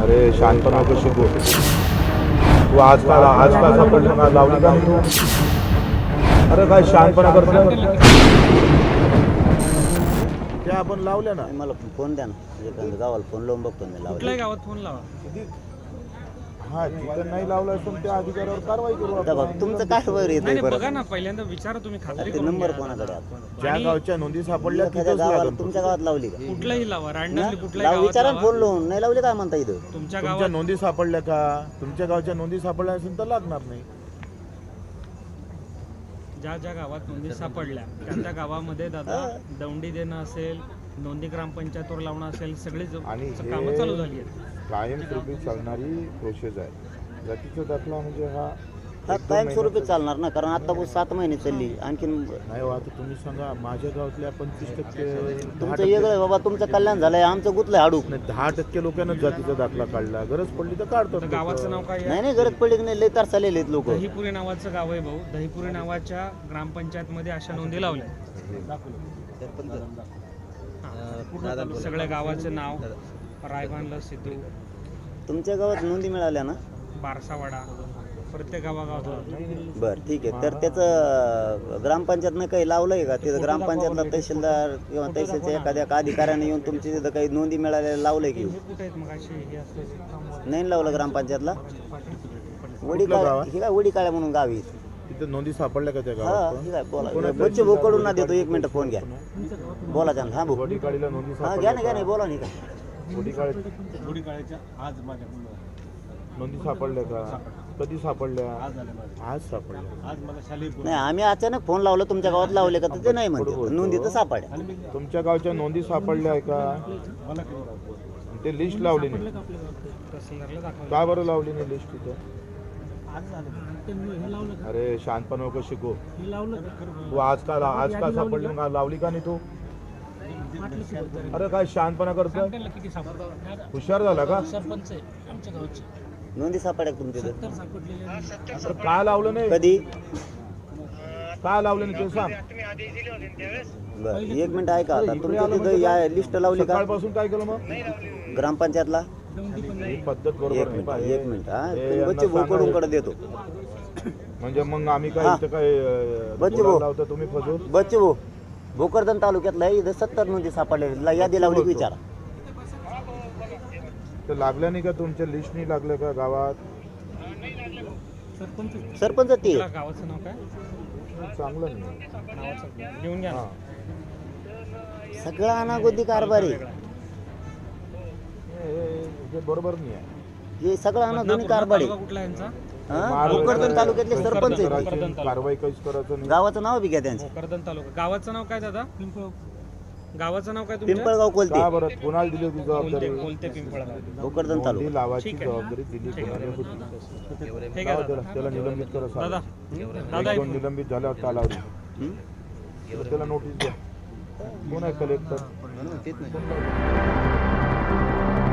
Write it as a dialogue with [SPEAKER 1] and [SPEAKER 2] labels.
[SPEAKER 1] अरे शहाणपणा नको शिकू तू. आज का सापडलं का लावली का तू? अरे काय शहाणपणा करतो त्या आपण लावल्या ना.
[SPEAKER 2] मला फोन द्या ना, गावाला फोन लावून बघतो मी.
[SPEAKER 3] कुठल्याही गावात फोन लावा.
[SPEAKER 1] हा जिथं नाही लावला असून त्या अधिकाऱ्यावर कारवाई करू
[SPEAKER 2] आता
[SPEAKER 1] आपण.
[SPEAKER 2] बघ तुमचं काय वर
[SPEAKER 3] नाही
[SPEAKER 2] येतं
[SPEAKER 3] नाही,
[SPEAKER 2] बरं.
[SPEAKER 3] बघा ना पहिल्यांदा विचारा तुम्ही खात्री
[SPEAKER 2] ते
[SPEAKER 3] करून
[SPEAKER 2] नंबर
[SPEAKER 3] घ्या.
[SPEAKER 2] कोणाकडे आहे?
[SPEAKER 1] ज्या गावच्या नोंदी सापडल्या
[SPEAKER 2] एखाद्या
[SPEAKER 1] तिथंच
[SPEAKER 2] गावाला
[SPEAKER 1] लागेल.
[SPEAKER 2] तुमच्या गावात लावली का?
[SPEAKER 3] कुठलाही लावा रांडणली
[SPEAKER 2] लाव,
[SPEAKER 3] कुठल्याही गावात
[SPEAKER 2] विचारा
[SPEAKER 3] लावा.
[SPEAKER 2] फोन लावून. नाही लावली काय म्हणता इथं?
[SPEAKER 3] तुमच्या
[SPEAKER 1] तुमच्या
[SPEAKER 3] गावात
[SPEAKER 1] नोंदी सापडल्या का? तुमच्या गावच्या नोंदी सापडल्या असेल तर लागणार नाही.
[SPEAKER 3] ज्या ज्या गावात नोंदी सापडल्या त्या गावामध्ये दादा दौंडी देणं असेल, नोंदी ग्रामपंचायतवर लावणं असेल, सगळी
[SPEAKER 1] आणि हे
[SPEAKER 3] कामं चालू झाली आहेत.
[SPEAKER 1] कायमस्वरूपी चालणारी प्रोसेस आहे. जातीचा दाखला म्हणजे हा
[SPEAKER 2] हा
[SPEAKER 1] 1-2
[SPEAKER 2] कायमस्वरूपी
[SPEAKER 1] महिन्याचा-
[SPEAKER 2] चालणार ना, कारण आता 7 महिने चालली. आणखीन
[SPEAKER 1] नाही हो, आता तुम्ही सांगा माझ्या गावातल्या 25% 10%
[SPEAKER 2] तुमचं वेगळं आहे बाबा. तुमचं कल्याण झालंय, आमचं गुतलंय हाडूक.
[SPEAKER 1] नाही 10% लोकांना जातीचा दाखला काढला. गरज पडली तर काढतात
[SPEAKER 3] तर
[SPEAKER 1] लोकं.
[SPEAKER 3] गावाचं नाव काय आहे?
[SPEAKER 2] नाही नाही, गरज पडली की नाही, लय तर चाललेले आहेत लोक.
[SPEAKER 3] दहीपुरी नावाचं गाव आहे भाऊ. दहीपुरी नावाच्या ग्रामपंचायतमध्ये अशा नोंदी लावल्या. सगळ्या गावाचं नाव, रायबांला सिद्धू,
[SPEAKER 2] तुमच्या गावात नोंदी मिळाल्या ना?
[SPEAKER 3] बारसावाडा, प्रत्येक गावागावात.
[SPEAKER 2] बरं ठीक आहे. तर त्याचं ग्रामपंचायतनं काही लावलंय का? तिथं ग्रामपंचायतला तहसीलदार किंवा तहसीलच्या एखाद्या अधिकाऱ्याने येऊन तुमची तिथं काही नोंदी मिळालेल्या लावलंय की?
[SPEAKER 3] हे कुठे आहेत मग अशी हे असं
[SPEAKER 2] नाही लावलं ग्रामपंचायतला? वडी
[SPEAKER 1] कुठलं गाव
[SPEAKER 2] काळ्या,
[SPEAKER 1] आहे?
[SPEAKER 2] हे काय वडी काळ्या म्हणून गावी.
[SPEAKER 1] तिथं नोंदी सापडल्या का त्या
[SPEAKER 2] हा
[SPEAKER 1] गावात?
[SPEAKER 2] हे काय बोला.
[SPEAKER 1] कोणाचं?
[SPEAKER 2] बच्चे भाऊ कडून ना देतो. 1 मिनिट फोन घ्या. बोला त्यांना. हा भाऊ.
[SPEAKER 1] वडीकाळीला नोंदी
[SPEAKER 2] हा घ्या
[SPEAKER 1] सापडल्या
[SPEAKER 2] ना, घ्या ना,
[SPEAKER 1] का?
[SPEAKER 2] बोला नाही का?
[SPEAKER 1] वडीकाळी नोंदी सापडल्या का? कधी सापडल्या? आज सापडल्या.
[SPEAKER 2] नाही, आम्ही अचानक फोन लावला तुमच्या गावात लावले का? तर ते नाही म्हणते. नोंदी तर सापड्या.
[SPEAKER 1] तुमच्या गावच्या नोंदी सापडल्या आहे का? ते लिस्ट लावली नाही.
[SPEAKER 3] तहसीलदारला दाखवलं.
[SPEAKER 1] का बरं लावली नाही लिस्ट तिथं? अरे शहाणपणा नको शिकू तू. आज का सापडली का लावली का नाही तू? अरे काय शहाणपणा करतोय?
[SPEAKER 3] किती सापडलं?
[SPEAKER 1] हुशार झाला का?
[SPEAKER 3] सरपंच आहे आमच्या गावचे.
[SPEAKER 2] नोंदी सापड्या तुमच्या इथं?
[SPEAKER 1] अरे काय लावलं नाही?
[SPEAKER 2] कधी?
[SPEAKER 1] काय लावलं नाही ते सांग.
[SPEAKER 2] बरं 1 मिनिट ऐका. आता तुमच्या तिथं या लिस्ट लावली का
[SPEAKER 1] सकाळपासून काय केलं मग?
[SPEAKER 2] ग्रामपंचायतला?
[SPEAKER 1] ही पद्धत
[SPEAKER 2] 1
[SPEAKER 1] बरोबर नाही
[SPEAKER 2] मिनिट,
[SPEAKER 1] पाहिजे.
[SPEAKER 2] 1 मिनिट. हा
[SPEAKER 1] हे
[SPEAKER 2] तुम्ही
[SPEAKER 1] यांना
[SPEAKER 2] बच्चे भाऊ कडून कडे देतो.
[SPEAKER 1] म्हणजे मग आम्ही काय
[SPEAKER 2] हा.
[SPEAKER 1] इथं काय
[SPEAKER 2] बच्चे
[SPEAKER 1] बोलायला
[SPEAKER 2] भाऊ.
[SPEAKER 1] लावता तुम्ही फजून?
[SPEAKER 2] बच्चे भाऊ, भोकरदन तालुक्यातला आहे. इथं 70 नोंदी सापडल्या. यादी लावली की विचारा.
[SPEAKER 1] तर लागल्या नाही का? तुमच्या लिस्ट नाही लागल्या का गावात?
[SPEAKER 2] सरपंच ते
[SPEAKER 3] तुला गावाचं नाव काय?
[SPEAKER 1] चांगलं नाही.
[SPEAKER 3] नावाचं घेऊन घ्या ना.
[SPEAKER 1] हा.
[SPEAKER 2] सगळा अनागोदी कारभार आहे.
[SPEAKER 1] हे बरोबर नाही आहे.
[SPEAKER 2] हे सगळं अनागोदी कारभार
[SPEAKER 3] तालुका
[SPEAKER 2] आहे.
[SPEAKER 3] कुठला यांचा?
[SPEAKER 2] हा? भोकरदन तालुक्यातले सरपंच आहेत.
[SPEAKER 1] करायची कारवाई काहीच करायचं नाही.
[SPEAKER 2] गावाचं नाव बी घ्या त्यांचं.
[SPEAKER 3] भोकरदन तालुका. गावाचं नाव काय दादा? गावाचं नाव काय तुमच्या?
[SPEAKER 2] पिंपळगाव कोलते.
[SPEAKER 1] का बरं कोणाला दिली होती जबाबदारी?
[SPEAKER 3] कोलते पिंपळगाव.
[SPEAKER 2] भोकरदन
[SPEAKER 1] नोंदी
[SPEAKER 2] तालुका.
[SPEAKER 1] लावायची
[SPEAKER 3] ठीक आहे.
[SPEAKER 1] जबाबदारी दिली कोणाला होती?
[SPEAKER 3] हे
[SPEAKER 1] जाऊ
[SPEAKER 3] घ्या
[SPEAKER 1] त्याला
[SPEAKER 3] दादा.
[SPEAKER 1] त्याला निलंबित करा
[SPEAKER 3] दादा
[SPEAKER 1] साहेब.
[SPEAKER 3] दादा
[SPEAKER 1] 1-2 निलंबित झाल्यावर कालावधी.
[SPEAKER 2] हं?
[SPEAKER 1] त्याला नोटीस द्या. कोण आहे कलेक्टर?
[SPEAKER 2] म्हणून तेच नाही.